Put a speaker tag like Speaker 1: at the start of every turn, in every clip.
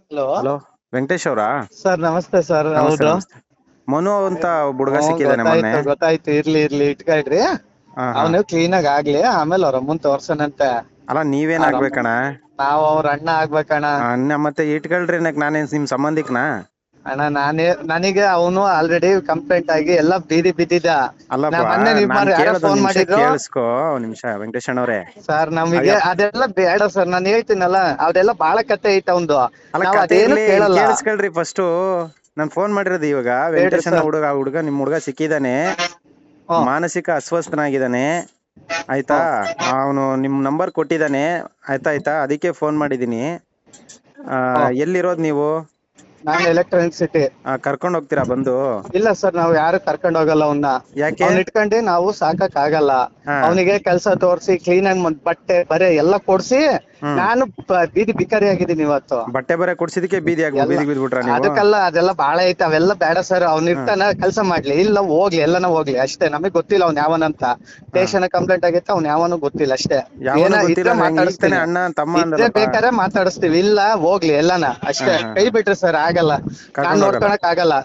Speaker 1: Hello.
Speaker 2: Hello, Venkatesh ಅವರಾ?
Speaker 1: Sir ನಮಸ್ತೆ sir.
Speaker 2: ನಮಸ್ತೆ
Speaker 1: ಹೌದು.
Speaker 2: ನಮಸ್ತೆ. ಮನು ಅಂತ ಹುಡುಗ ಸಿಕ್ಕಿದಾನೆ ಮೊನ್ನೆ.
Speaker 1: ಗೊತ್ತಾಯ್ತು ಗೊತ್ತಾಯ್ತು. ಇರ್ಲಿ ಇಟ್ಕೊಳ್ರಿ.
Speaker 2: ಹಾ ಹಾ.
Speaker 1: ಅವನು ಕ್ಲೀನ್ ಆಗಿ ಆಗ್ಲಿ, ಆಮೇಲೆ ಅವ್ರ ಅಮ್ಮನ್ ತೋರ್ಸನಂತೆ.
Speaker 2: ಅಲ್ಲ ನೀವೇನ್ ಆಗ್ಬೇಕಣ್ಣ?
Speaker 1: ನಾವ್ ಅವ್ರ ಅಣ್ಣ ಆಗ್ಬೇಕಣ್ಣ.
Speaker 2: ಅಣ್ಣ ಮತ್ತೆ ಇಟ್ಕೊಳ್ರಿ, ನಾನೇನ್ ನಿಮ್ ಸಂಬಂಧಿಕನಾ?
Speaker 1: ಅಣ್ಣ ನನಗೆ ಅವನು ಆಲ್ರೆಡಿ ಕಂಪ್ಲೇಂಟ್ ಆಗಿ ಎಲ್ಲ ಬೀದಿ ಬಿದ್ದಿದ್ದ. ನಾ
Speaker 2: ಅಲ್ಲಪ್ಪ,
Speaker 1: ಮೊನ್ನೆ
Speaker 2: ನಾನ್
Speaker 1: ಯಾರೋ
Speaker 2: ಕೇಳೋದ್
Speaker 1: ಫೋನ್
Speaker 2: ಒಂದ್ ನಿಮಿಷ
Speaker 1: ಮಾಡಿದ್ರು.
Speaker 2: ಕೇಳಿಸ್ಕೊ. ಒಂದ್ ನಿಮಿಷ ವೆಂಕಟೇಶ್ ಅಣ್ಣವ್ರೆ.
Speaker 1: ಸರ್ ನಮಗೆ
Speaker 2: ಅಯ್ಯಪ್ಪ,
Speaker 1: ಅದೆಲ್ಲ ಬೇಡ ಸರ್. ನಾನು ಹೇಳ್ತೀನಲ್ಲ, ಅದೆಲ್ಲ ಬಾಳ ಕತೆ ಐತ ಅವಂದು.
Speaker 2: ಅಲ್ಲ
Speaker 1: ನಾವ್
Speaker 2: ಕತೆ
Speaker 1: ಅದೇನು
Speaker 2: ಇರ್ಲಿ, ಇಲ್ಲಿ
Speaker 1: ಕೇಳಲ್ಲ.
Speaker 2: ಕೇಳಿಸ್ಕೊಳ್ರಿ ಫಸ್ಟ್. ನಾನ್ ಫೋನ್ ಮಾಡಿರೋದು ಇವಾಗ.
Speaker 1: ಹೇಳಿ
Speaker 2: ವೆಂಕಟೇಶ್ ಅಣ್ಣ
Speaker 1: ಸರ್.
Speaker 2: ಹುಡುಗ ನಿಮ್ ಹುಡುಗ ಸಿಕ್ಕಿದಾನೆ.
Speaker 1: ಹ್ಮ್
Speaker 2: ಮಾನಸಿಕ ಅಸ್ವಸ್ಥನಾಗಿದ್ದಾನೆ, ಆಯ್ತಾ?
Speaker 1: ಹ್ಮ್
Speaker 2: ಅವನು ನಿಮ್ ನಂಬರ್ ಕೊಟ್ಟಿದ್ದಾನೆ, ಆಯ್ತಾ? ಅದಕ್ಕೆ ಫೋನ್ ಮಾಡಿದೀನಿ.
Speaker 1: ಹ್ಮ್
Speaker 2: ಎಲ್ಲಿರೋದ್ ನೀವು?
Speaker 1: ನಾನು ಎಲೆಕ್ಟ್ರಾನಿಕ್ ಸಿಟಿ.
Speaker 2: ಕರ್ಕೊಂಡ್ ಹೋಗ್ತೀರಾ ಬಂದು?
Speaker 1: ಇಲ್ಲ ಸರ್, ನಾವ್ ಯಾರು ಕರ್ಕೊಂಡ್ ಹೋಗಲ್ಲ ಅವನ್ನ.
Speaker 2: ಯಾಕೆ?
Speaker 1: ಅವ್ನ ಇಟ್ಕೊಂಡು ನಾವು ಸಾಕಕ್ ಆಗಲ್ಲ.
Speaker 2: ಹಾ.
Speaker 1: ಅವನಿಗೆ ಕೆಲಸ ತೋರ್ಸಿ, ಕ್ಲೀನ್ ಆಗಿ ಬಟ್ಟೆ ಬರೆ ಎಲ್ಲ ಕೊಡ್ಸಿ,
Speaker 2: ಹ್ಮ್.
Speaker 1: ನಾನು ಬೀದಿ ಬಿಕಾರಿ ಆಗಿದ್ದೀನಿ ಇವತ್ತು.
Speaker 2: ಬಟ್ಟೆ ಬರೆ ಕೊಡ್ಸಿದಕ್ಕೆ ಬೀದಿಗೆ ಬಿದ್ಬಿಟ್ರ ನೀವು?
Speaker 1: ಅದಕ್ಕೆಲ್ಲ ಅದೆಲ್ಲ ಬಾಳ ಐತೆ. ಅವೆಲ್ಲ ಬೇಡ ಸರ್. ಅವ್ನ
Speaker 2: ಹ್ಮ್.
Speaker 1: ಇರ್ತಾನ, ಕೆಲಸ ಮಾಡ್ಲಿ. ಇಲ್ಲ ಹೋಗ್ಲಿ, ಎಲ್ಲಾನ ಹೋಗ್ಲಿ ಅಷ್ಟೇ. ನಮಗ್ ಗೊತ್ತಿಲ್ಲ ಅವ್ನ ಯಾವನಂತ. ಸ್ಟೇಷನ್ ಕಂಪ್ಲೇಂಟ್ ಆಗೈತೆ, ಅವ್ನ ಯಾವನು ಗೊತ್ತಿಲ್ಲ ಅಷ್ಟೇ.
Speaker 2: ಯಾವನು ಗೊತ್ತಿಲ್ಲ
Speaker 1: ಇದ್ರೆ
Speaker 2: ಅಂದ್ರೆ ಹೆಂಗ್? ಈಗ ತಾನೆ
Speaker 1: ಮಾತಾಡಿಸ್ತೀನಿ.
Speaker 2: ಅಣ್ಣ ತಮ್ಮ
Speaker 1: ಇದ್ರೆ
Speaker 2: ಅಂದಲ್ಲಪ್ಪ.
Speaker 1: ಬೇಕಾದ್ರೆ ಮಾತಾಡಿಸ್ತೀವಿ, ಇಲ್ಲ ಹೋಗ್ಲಿ ಎಲ್ಲಾನ
Speaker 2: ಹಾ
Speaker 1: ಅಷ್ಟೇ.
Speaker 2: ಹಾ
Speaker 1: ಕೈ
Speaker 2: ಹಾ.
Speaker 1: ಬಿಟ್ರಿ ಸರ್, ಆಗಲ್ಲ. ನಾನ್
Speaker 2: ಕರ್ಕೊಂಡ್ ಹೋಗಲ್ಲ.
Speaker 1: ನೋಡ್ಕೊಳಕ್ ಆಗಲ್ಲ.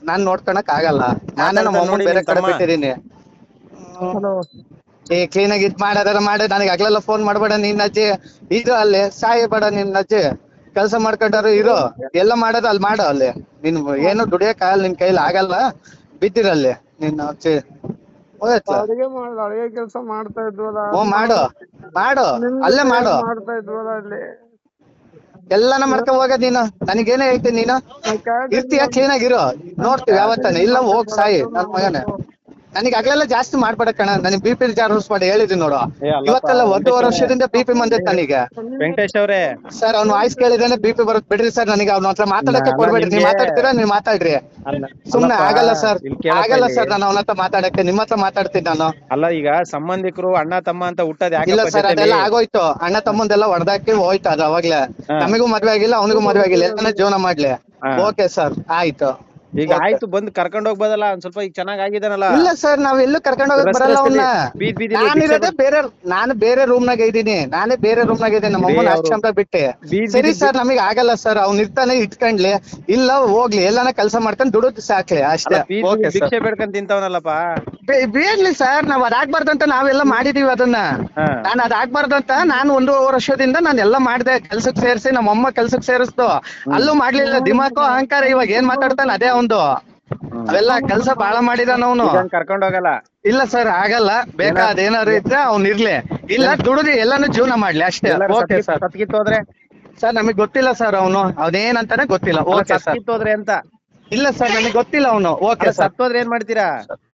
Speaker 1: ನಾನೇ ನಮ್ಮ
Speaker 2: ಮಾತಾಡ್ತಾನೆ
Speaker 1: ಅಮ್ಮನ್
Speaker 2: ನೋಡಿ
Speaker 1: ಬೇರೆ
Speaker 2: ನಿಮ್
Speaker 1: ಕಡೆ
Speaker 2: ತಮ್ಮ.
Speaker 1: ಬಿಟ್ಟಿದೀನಿ.
Speaker 3: ಹಲೋ.
Speaker 1: ಕ್ಲೀನ್ ಆಗಿ ಇದ್ ಮಾಡಿ ನನಗೆ ಆಗ್ಲೆಲ್ಲ ಫೋನ್ ಮಾಡ್ಬೇಡ. ನಿನ್ನ ಅಜ್ಜಿ ಇದು ಅಲ್ಲಿ ಸಾಯಿ ಬೇಡ. ನಿನ್ನ ಅಜ್ಜಿ ಕೆಲಸ ಮಾಡ್ಕೊಂಡಾರು ಇರು. ಎಲ್ಲ ಮಾಡೋದು ಅಲ್ಲಿ ಮಾಡು. ಅಲ್ಲಿ ನಿನ್ ಏನು ದುಡಿಯಕ್ ಆಗಲ್ಲ, ನಿನ್ ಕೈಲಿ ಆಗಲ್ಲ. ಬಿದ್ದಿರಲ್ಲಿ ನಿನ್ನ ಅಜ್ಜಿ. ಹೋಯ್ತಲ್ಲ.
Speaker 3: ಅಡಿಗೆ ಕೆಲಸ ಮಾಡ್ತಾ ಇದ್ವಲ್ಲ,
Speaker 1: ಮಾಡು
Speaker 3: ನಿಮ್ಗೆ
Speaker 1: ಅಲ್ಲೇ ಮಾಡು.
Speaker 3: ಮಾಡ್ತಾ ಇದ್ವಲ್ಲ ಅಲ್ಲಿ.
Speaker 1: ಎಲ್ಲಾನ ಮಾಡ್ಕೊ ಹೋಗ ನೀನು. ನನಗೇನೇ ಹೇಳ್ತೀನಿ ನೀನು? ಇರ್ತೀಯ? ಕ್ಲೀನ್ ಆಗಿರು, ನೋಡ್ತೀವಿ ಯಾವತ್ತಾನೆ. ಇಲ್ಲ ಹೋಗ್ ಸಾಯಿ ನನ್ ಮಗನೇ. ನನಗೆ ಆಗ್ಲೆಲ್ಲ ಜಾಸ್ತಿ ಮಾಡ್ಬೇಡ ಕಣ. ನನಗೆ BP ಜಾರೂಸ್ ಮಾಡಿ ಹೇಳಿದೀನಿ ನೋಡು.
Speaker 2: ಅಲ್ಲಪ್ಪ
Speaker 1: ಇವತ್ತೆಲ್ಲ
Speaker 2: ವೆಂಕಟೇಶ್
Speaker 1: ಒಂದೂವರೆ
Speaker 2: ಅವ್ರೆ.
Speaker 1: ವರ್ಷದಿಂದ BP ಬಂದೈತೆ ನನಗೆ.
Speaker 2: ವೆಂಕಟೇಶ್ ಅವ್ರೆ,
Speaker 1: ಸರ್ ಅವ್ನ ವಾಯ್ಸ್ ಕೇಳಿದೇನೆ BP ಬರೋದ್ ಬಿಡ್ರಿ ಸರ್. ನನಗೆ ಅವ್ನ ಹತ್ರ ಮಾತಾಡಕ್ಕೆ
Speaker 2: ಅಲ್ಲ
Speaker 1: ಕೊಡ್ಬೇಡ್ರಿ. ನೀವ್
Speaker 2: ನಿಮ್ಗೆ
Speaker 1: ಮಾತಾಡ್ತೀರಾ, ನೀವ್ ಮಾತಾಡ್ರಿ. ಸುಮ್ನೆ
Speaker 2: ಅಲ್ಲಪ್ಪ,
Speaker 1: ಆಗಲ್ಲ ಸರ್.
Speaker 2: ಇಲ್ಲಿ ಕೇಳಪ್ಪ
Speaker 1: ಆಗಲ್ಲ
Speaker 2: ಇಲ್ಲಿ.
Speaker 1: ಸರ್, ನಾನು ಅವನ ಹತ್ರ ಮಾತಾಡಕ್ಕೆ. ನಿಮ್ಮ ಹತ್ರ ಮಾತಾಡ್ತೀನಿ ನಾನು.
Speaker 2: ಅಲ್ಲ ಈಗ ಸಂಬಂಧಿಕರು ಅಣ್ಣ ತಮ್ಮ ಅಂತ ಹುಟ್ಟದ್
Speaker 1: ಇಲ್ಲ
Speaker 2: ಯಾಕಪ್ಪ
Speaker 1: ಸರ್,
Speaker 2: ಜೊತೆಲಿ?
Speaker 1: ಅದೆಲ್ಲ ಆಗೋಯ್ತು. ಅಣ್ಣ ತಮ್ಮಂದೆಲ್ಲ ಹೊಡೆದಾಕಿ ಹೋಯ್ತು ಅದು ಅವಾಗ್ಲೇ.
Speaker 2: ಹಾ.
Speaker 1: ನಮಗೂ ಮದ್ವೆ ಆಗಿಲ್ಲ, ಅವನಿಗೂ ಮದ್ವೆ ಆಗಿಲ್ಲ. ಎಲ್ಲಾನ ಜೀವನ ಮಾಡ್ಲಿ.
Speaker 2: ಹಾ.
Speaker 1: ಓಕೆ ಸರ್, ಆಯ್ತು.
Speaker 2: ಈಗ ಆಯ್ತು, ಬಂದು ಕರ್ಕೊಂಡ್ ಹೋಗ್ಬೋದಲ್ಲ. ಒಂದ್ ಸ್ವಲ್ಪ ಈಗ ಚೆನ್ನಾಗ್ ಆಗಿದಾನಲ್ಲ.
Speaker 1: ಇಲ್ಲ ಸರ್, ನಾವ್ ಎಲ್ಲೂ ಕರ್ಕೊಂಡು ಹೋಗಕ್ ಬರಲ್ಲ ಅವನ್ನ.
Speaker 2: ಬೀದಿಲಿ ಭಿಕ್ಷೆ
Speaker 1: ನಾನಿರೋದೇ ನಾನು ಬೇರೆ ರೂಮ್ ನಾಗ ಇದ್ದೀನಿ. ನಮ್ಮ
Speaker 2: ಬಿಡಿ
Speaker 1: ಅಮ್ಮನ
Speaker 2: ಅವ್ರು.
Speaker 1: ಆಶ್ರಮ ಬಿಟ್ಟೆ.
Speaker 2: ಬೀದಿ
Speaker 1: ಸರಿ
Speaker 2: ಬೀದಿ
Speaker 1: ಸರ್, ನಮಗ್ ಆಗಲ್ಲ ಸರ್. ಅವ್ನ ಇರ್ತಾನೆ, ಇಟ್ಕೊಂಡ್ಲಿ. ಇಲ್ಲ ಹೋಗ್ಲಿ, ಎಲ್ಲಾನ ಕೆಲಸ ಮಾಡ್ಕೊಂಡು ದುಡಿದು ಸಾಕ್ಲಿ ಅಷ್ಟೇ. Okay sir.
Speaker 2: ಭಿಕ್ಷೆ ಬೇಡ್ಕೊಂಡ್ ತಿಂತವನಲ್ಲಪ್ಪ.
Speaker 1: ಬೇಡ್ಲಿ ಸರ್, ನಾವ್ ಅದಾಗ್ಬಾರ್ದಂತ ನಾವೆಲ್ಲ ಮಾಡಿದೀವಿ ಅದನ್ನ.
Speaker 2: ಹಾ.
Speaker 1: ನಾನು ಅದಾಗ್ಬಾರ್ದಂತ ನಾನು 1.5 ವರ್ಷದಿಂದ ನಾನು ಎಲ್ಲ ಮಾಡ್ದೆ. ಕೆಲ್ಸಕ್ ಸೇರಿಸಿ ನಮ್ಮ ಅಮ್ಮ ಕೆಲ್ಸಕ್ ಸೇರಿಸ್ತು. ಅಲ್ಲೂ ಮಾಡ್ಲಿಲ್ಲ. ದಿಮಾಕು ಅಹಂಕಾರ. ಇವಾಗ ಏನ್ ಮಾತಾಡ್ತಾನೆ ಅದೇ ಅವಂದು. ಅವೆಲ್ಲ ಕೆಲ್ಸ ಬಾಳ ಮಾಡಿದಾನ ಅವನು.
Speaker 2: ಕರ್ಕೊಂಡ್ ಹೋಗಲ್ಲ.
Speaker 1: ಇಲ್ಲ ಸರ್, ಆಗಲ್ಲ. ಬೇಕಾದೇನಾದ್ರು ಇದ್ರೆ ಅವ್ನ್ ಇರ್ಲಿ. ಇಲ್ಲ ದುಡಿದು ಎಲ್ಲಾನು ಜೀವನ ಮಾಡ್ಲಿ ಅಷ್ಟೇ. Okay sir.
Speaker 2: ಸತ್ಕಿತ್ತೋದ್ರೆ?
Speaker 1: ಸರ್ ನಮಗ್ ಗೊತ್ತಿಲ್ಲ ಸರ್. ಅವನೇನಂತಾನೆ ಗೊತ್ತಿಲ್ಲ. Okay sir.
Speaker 2: ಸತ್ಕಿತ್ತೋದ್ರೆ ಅಂತ?
Speaker 1: ಇಲ್ಲ ಸರ್, ನನಗೆ ಗೊತ್ತಿಲ್ಲ ಅವನು. Okay sir.
Speaker 2: ಸತ್ತೋದ್ರೆ ಏನ್ ಮಾಡ್ತೀರಾ?